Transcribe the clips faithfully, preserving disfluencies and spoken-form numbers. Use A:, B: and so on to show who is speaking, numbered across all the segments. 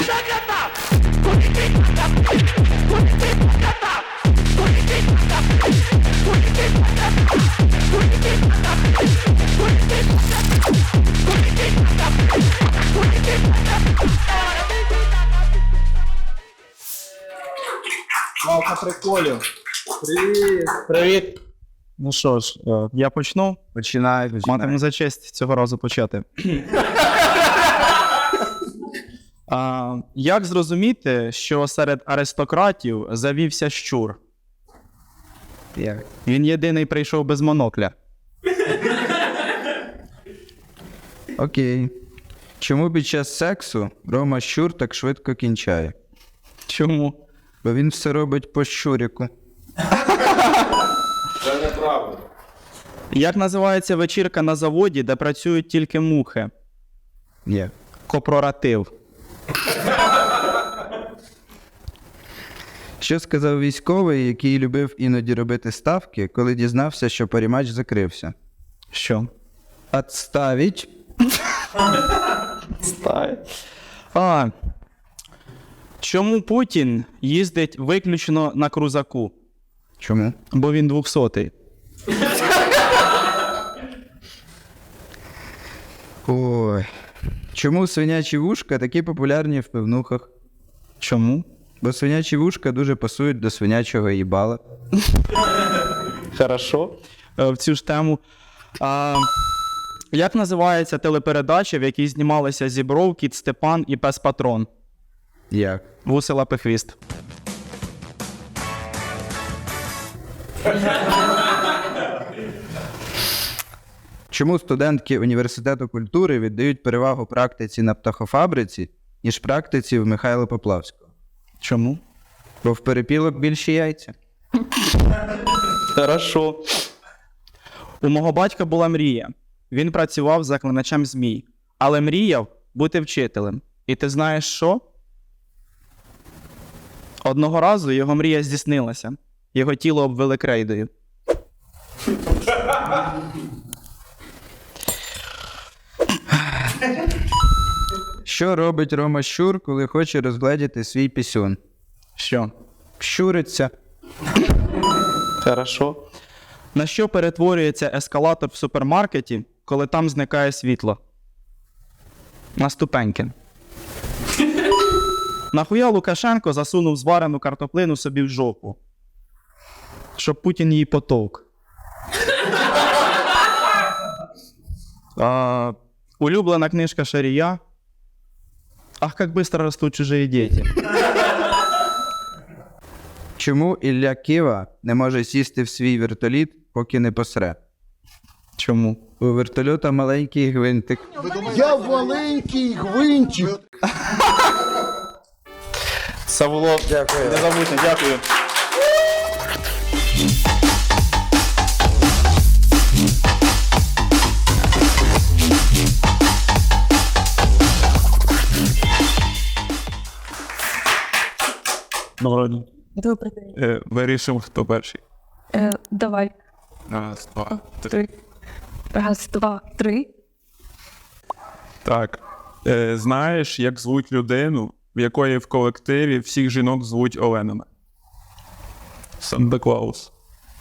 A: Малка приколів. Привіт. Привіт. Ну що ж, я почну.
B: Починай, починай.
A: Матиму за честь цього разу почати. а, як зрозуміти, що серед аристократів завівся щур?
B: Як?
A: Він єдиний прийшов без монокля.
B: Окей. Чому під час сексу Рома Щур так швидко кінчає?
A: Чому?
B: Бо він все робить по щуріку.
C: Це неправда.
A: Як називається вечірка на заводі, де працюють тільки мухи?
B: Як?
A: Копроратив.
B: Що сказав військовий, який любив іноді робити ставки, коли дізнався, що паріматч закрився?
A: Що?
B: Отставить.
A: А, чому Путін їздить виключно на крузаку?
B: Чому?
A: Бо він двохсотий.
B: Ой. Чому свинячі вушка такі популярні в пивнухах?
A: Чому?
B: Бо свинячі вушка дуже пасують до свинячого їбала.
A: Хорошо. Е, В цю ж тему. А, як називається телепередача, в якій знімалися Зібров, Кіт Степан і Пес Патрон?
B: Як?
A: Вуси лапи хвіст.
B: Чому студентки університету культури віддають перевагу практиці на птахофабриці, ніж практиці в Михайла Поплавського?
A: Чому?
B: Бо в перепілок більші яйця.
A: Хорошо. У мого батька була мрія. Він працював заклиначем змій, але мріяв бути вчителем. І ти знаєш що? Одного разу його мрія здійснилася. Його тіло обвели крейдою.
B: Що робить Рома Щур, коли хоче розгледіти свій пісюн?
A: Що?
B: Щуриться.
A: Хорошо. На що перетворюється ескалатор в супермаркеті, коли там зникає світло? На ступеньки. Нахуя Лукашенко засунув зварену картоплину собі в жопу? Щоб Путін її потовк. А, улюблена книжка Шарія. Ах, как быстро растут чужие дети.
B: Чому Ілля Кива не може сісти в свій вертоліт, поки не посре?
A: Чому?
B: У вертольота маленький гвинтик.
D: Я маленький гвинтик.
A: Це було... Дякую. Незабутньо, дякую.
C: Доброго дня.
E: Добрий день.
C: Е, вирішимо, хто перший.
E: Е, давай.
C: Раз, два, три.
E: Три. Раз, два, три.
C: Так. Е, знаєш, як звуть людину, в якої в колективі всіх жінок звуть Оленами? Санта-Клаус.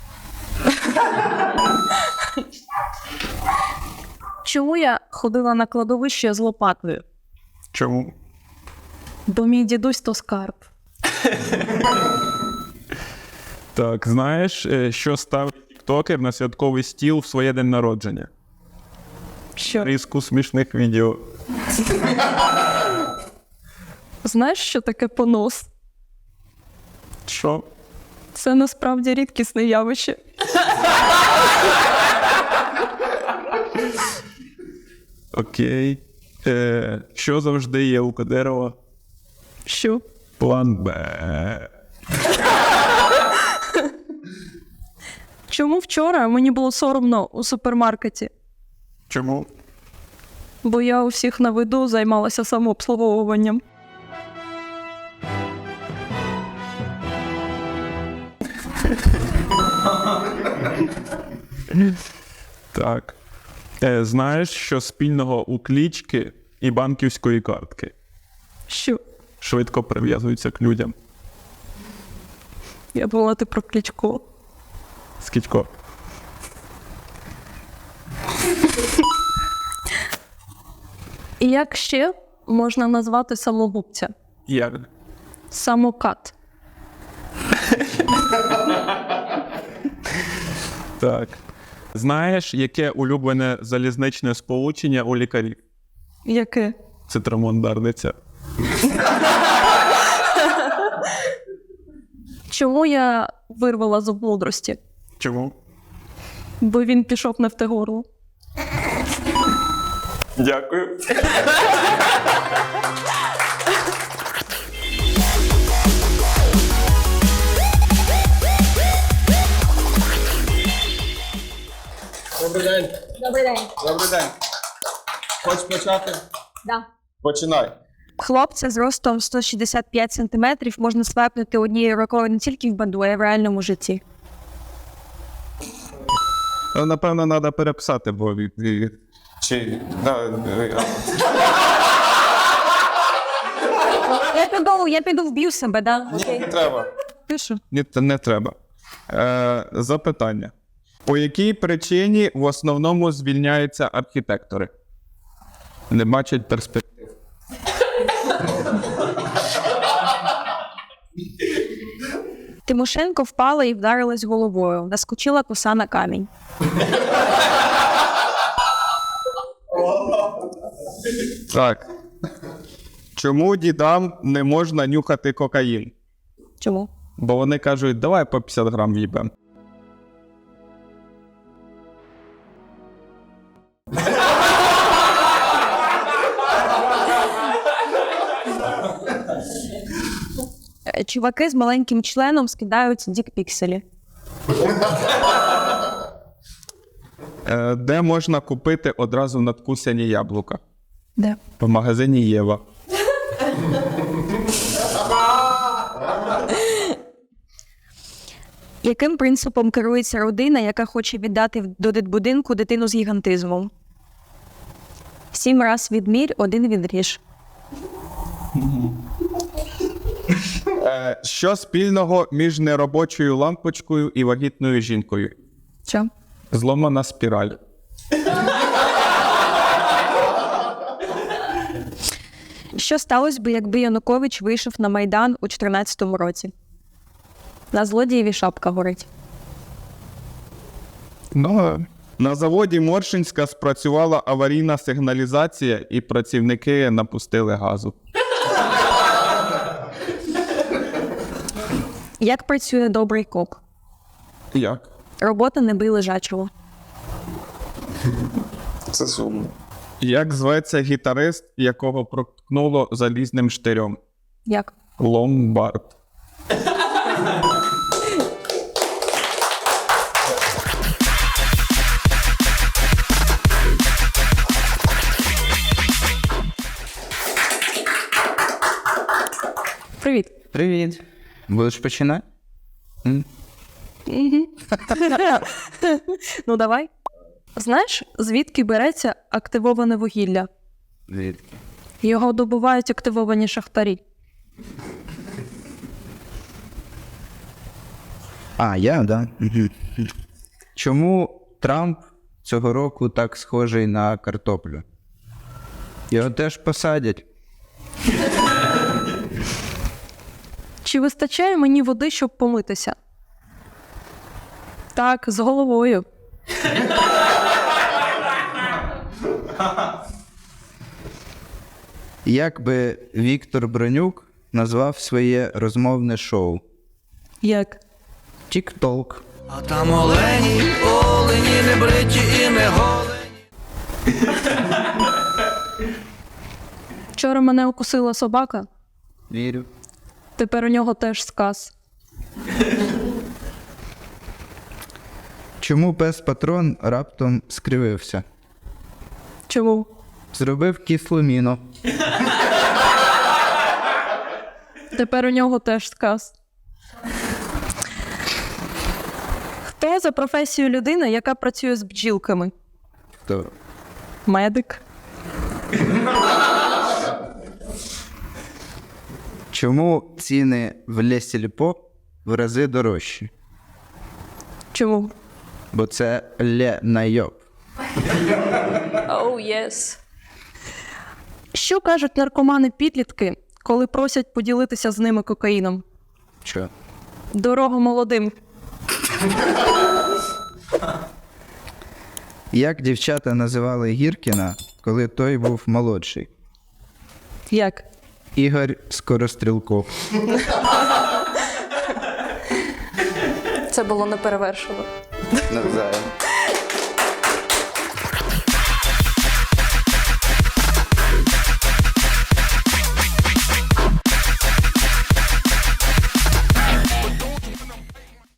E: Чому я ходила на кладовище з лопатою?
C: Чому?
E: Бо мій дідусь то скарб.
C: Так, знаєш, е, що ставить тіктокер на святковий стіл в своє день народження?
E: Що?
C: Різку смішних відео.
E: Знаєш, що таке понос?
C: Що?
E: Це насправді рідкісне явище.
C: Окей. Е, що завжди є у Кадирова?
E: Що?
C: План Б.
E: Чому вчора мені було соромно у супермаркеті?
C: Чому?
E: Бо я у всіх на виду займалася самообслуговуванням.
C: Так. Е, знаєш, що спільного у клічки і банківської картки?
E: Що?
C: швидко прив'язується к людям.
E: Я думала, ти про Кличко.
C: Скілько?
E: І як ще можна назвати самогубця?
C: Як?
E: Самокат.
C: Так. Знаєш, яке улюблене залізничне сполучення у лікарів?
E: Яке?
C: Цитрамон Дарниця.
E: Чому я вирвала зуб мудрості?
C: Чому?
E: Бо він пішов не в те горло.
C: Дякую.
F: Добрий день.
G: Добрий день.
F: Добрий день. Хочеш почати?
G: Да.
F: Починай.
G: Хлопця з ростом сто шістдесят п'ять сантиметрів можна свайпнути однією рукою не тільки в баду, а й в реальному житті.
C: Ну, напевно, треба переписати, бо... і- і-
F: Чи... Да, е,
G: Я піду, я піду вб'ю себе, да? Окей.
F: не треба.
G: Пишу.
C: Ні, це не треба. Е, запитання. По якій причині в основному звільняються архітектори? Не бачать перспектив.
G: Тимошенко впала і вдарилась головою. Наскочила коса на камінь.
C: Так. Чому дідам не можна нюхати кокаїн?
G: Чому?
C: Бо вони кажуть, давай по п'ятдесят грам в'їбем.
G: Е, Чуваки з маленьким членом скидають дікпікселі.
C: Е, де можна купити одразу надкусані яблука?
G: Де?
C: В магазині Єва.
G: Яким принципом керується родина, яка хоче віддати до дитбудинку дитину з гігантизмом? Сім раз відмір, один відріж.
C: Е, що спільного між неробочою лампочкою і вагітною жінкою?
G: Що?
C: Зломана спіраль.
G: Що сталося би, якби Янукович вийшов на Майдан у чотирнадцятому році? На злодієві шапка горить.
C: Ну, на заводі Моршинська спрацювала аварійна сигналізація і працівники напустили газу.
G: Як працює добрий кок?
C: Як?
G: Робота не бий лежачого.
F: Це сумно.
C: Як зветься гітарист, якого проткнуло залізним штирем?
G: Як?
C: Ломбард.
E: Привіт.
B: Привіт. Будеш починати?
E: Ну давай. Знаєш, звідки береться активоване вугілля?
B: Звідки?
E: Його добувають активовані шахтарі.
B: А, я, да. Мгм. Чому Трамп цього року так схожий на картоплю? Його теж посадять.
E: Чи вистачає мені води, щоб помитися? Так, з головою.
B: Як би Віктор Бронюк назвав своє розмовне шоу?
E: Як?
B: Тік-толк.
H: А там олені, олені, не бриті і не голені.
E: Вчора мене укусила собака,
B: Вірю.
E: тепер у нього теж сказ.
B: Чому пес-патрон раптом скривився?
E: Чому?
B: Зробив кислу міну.
E: Тепер у нього теж сказ. Хто за професією людина, яка працює з бджілками?
B: Хто?
E: Медик.
B: Чому ціни в Ле-Сільпо в рази дорожчі?
E: Чому?
B: Бо це Ле Найоб.
E: Оу, єс. Що кажуть наркомани-підлітки, коли просять поділитися з ними кокаїном?
B: Що?
E: Дорого молодим.
B: Як дівчата називали Гіркіна, коли той був молодший?
E: Як?
B: Ігор Скорострілков.
E: Це було неперевершено.
B: Навзаєм.